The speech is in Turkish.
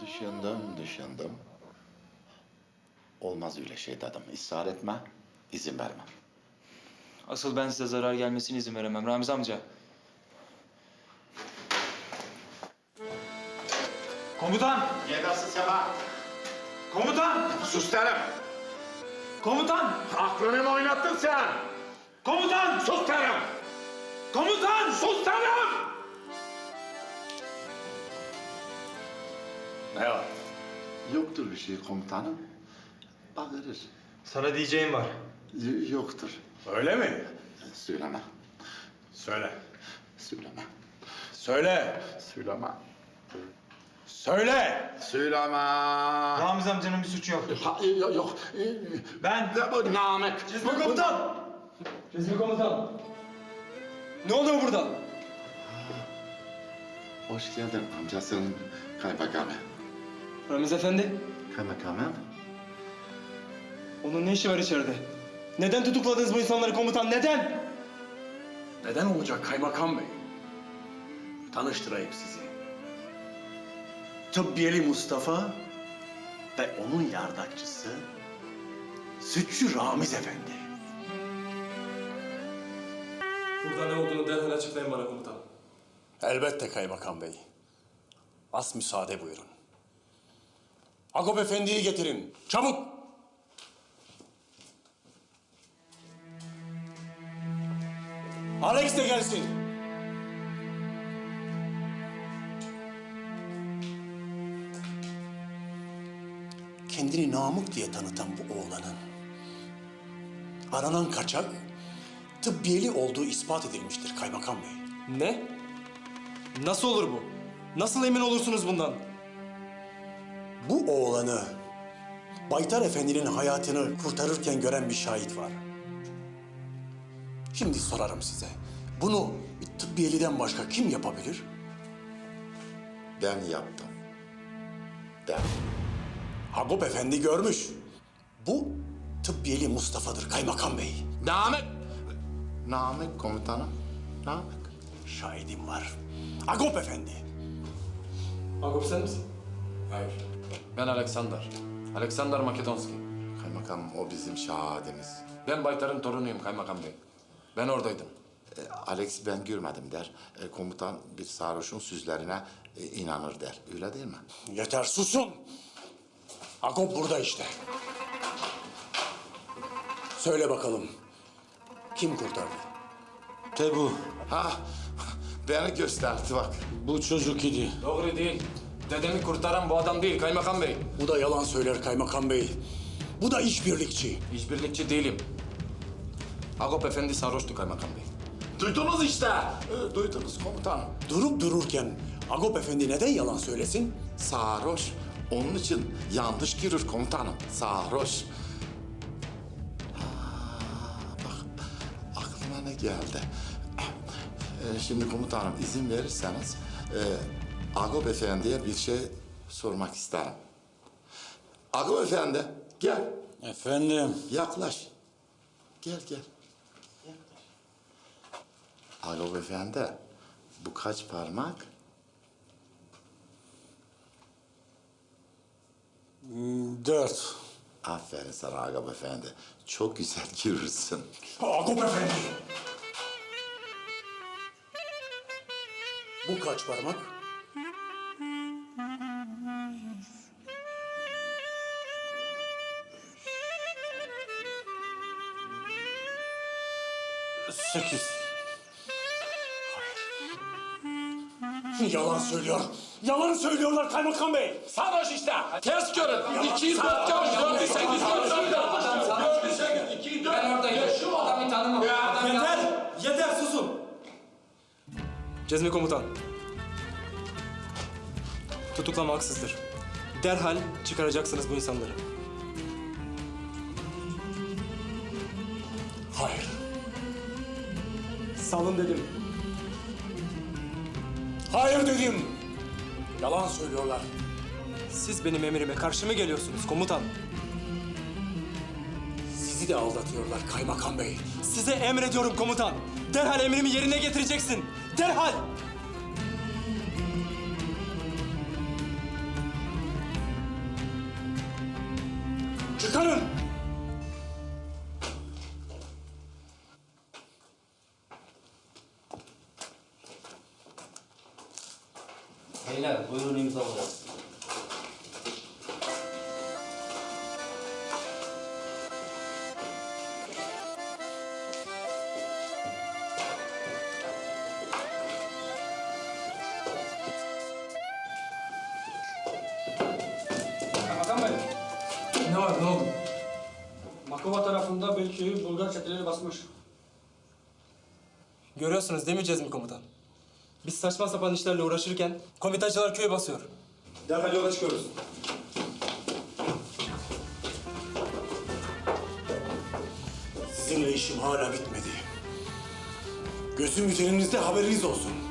Düşündüm. Olmaz öyle şey dedim. İsrar etme, izin vermem. Asıl ben size zarar gelmesine izin veremem Ramiz amca. Komutan! Yetersiz Sema. Komutan! Sus derim. Komutan! Aklını mı oynattın sen? Komutan! Sus derim. Komutan! Sus derim. Ne var? Yoktur bir şey komutanım. Bağırır. Sana diyeceğim var. Yoktur. Öyle mi? Söyleme. Söyle. Söyleme. Söyle. Söyleme. Söyle. Söyleme. Ramiz amcanın bir suçu yok. Yok. Ben... Bu Namık. Cezmi komutan! Cezmi komutan! Ne oluyor burada? Hoş geldin amcasının kaymakamı. Ramiz efendi, Kaymakamım. onun ne işi var içeride? Neden tutukladınız bu insanları komutan, neden? Neden olacak kaymakam bey? Tanıştırayım sizi. Tıbbiyeli Mustafa ve onun yardakçısı Sütçü Ramiz Efendi. Burada ne olduğunu derhal açıklayın bana komutan. Elbette kaymakam bey. Az müsaade buyurun. Agop Efendi'yi getirin. Çabuk! Alex de gelsin. Kendini Namık diye tanıtan bu oğlanın aranan kaçak tıbbiyeli olduğu ispat edilmiştir kaymakam bey. Ne? Nasıl olur bu? Nasıl emin olursunuz bundan? Bu oğlanı Baytar Efendi'nin hayatını kurtarırken gören bir şahit var. Şimdi sorarım size. Bunu bir tıbbiyeliden başka kim yapabilir? Ben yaptım. Ben. Agop Efendi görmüş. Bu tıbbiyeli Mustafa'dır kaymakam bey. Namık komutanım. Namık. Şahidim var. Agop Efendi. Agop sen misin? Hayır. Ben Alexander. Alexander Makedonski. Kaymakam o bizim şahadimiz. Ben Baytar'ın torunuyum kaymakam bey. Ben oradaydım. Alex ben görmedim der. Komutan bir sarhoşun sözlerine inanır der. Öyle değil mi? Yeter susun. Agop burada işte. Söyle bakalım. Kim kurtardı? Tebu. Ha, beni gösterdi bak. Bu çocuk idi. Doğru değil. Dedemi kurtaran bu adam değil kaymakam bey. Bu da yalan söyler kaymakam bey. Bu da işbirlikçi. İşbirlikçi değilim. Agop Efendi sarhoştu kaymakam bey. Duydunuz işte. Duydunuz komutanım. Durup dururken Agop Efendi neden yalan söylesin? Sarhoş. Onun için yanlış girir komutanım. Sarhoş. Bak aklıma ne geldi. Şimdi komutanım izin verirseniz Agop Efendi'ye bir şey sormak isterim. Agop Efendi gel. Efendim? Yaklaş. Gel. Agop Efendi bu kaç parmak? 4. Aferin sana Agop Efendi. Çok güzel girirsin. Agop Efendi! Bu kaç parmak? 8. Yalan söylüyor. Yalan söylüyorlar kaymakam bey. Sarhoş işte. Ters görün. 204 görün. 408 görün. Ben oradaydım. Şu adamı tanımam. Yeter! Yeter susun! Cezmi komutan. Tutuklama haksızdır. Derhal çıkaracaksınız bu insanları. Hayır. Salın dedim. Hayır dedim. Yalan söylüyorlar. Siz benim emrime karşı mı geliyorsunuz komutan? Sizi de aldatıyorlar kaymakam bey. Size emrediyorum komutan. Derhal emrimi yerine getireceksin. Derhal! Çıkarın! Beyler buyurun imzalayalım. Kaymakam Bey, Ne var ne oldu? Makova tarafında Beyliköy'ü Bulgar çeteleri basmış. Görüyorsunuz değil mi Cezmi komutan? Biz saçma sapan işlerle uğraşırken komitacılar köyü basıyor. Derhal yola çıkıyoruz. Sizinle işim hala bitmedi. Gözüm üzerinizde, haberiniz olsun.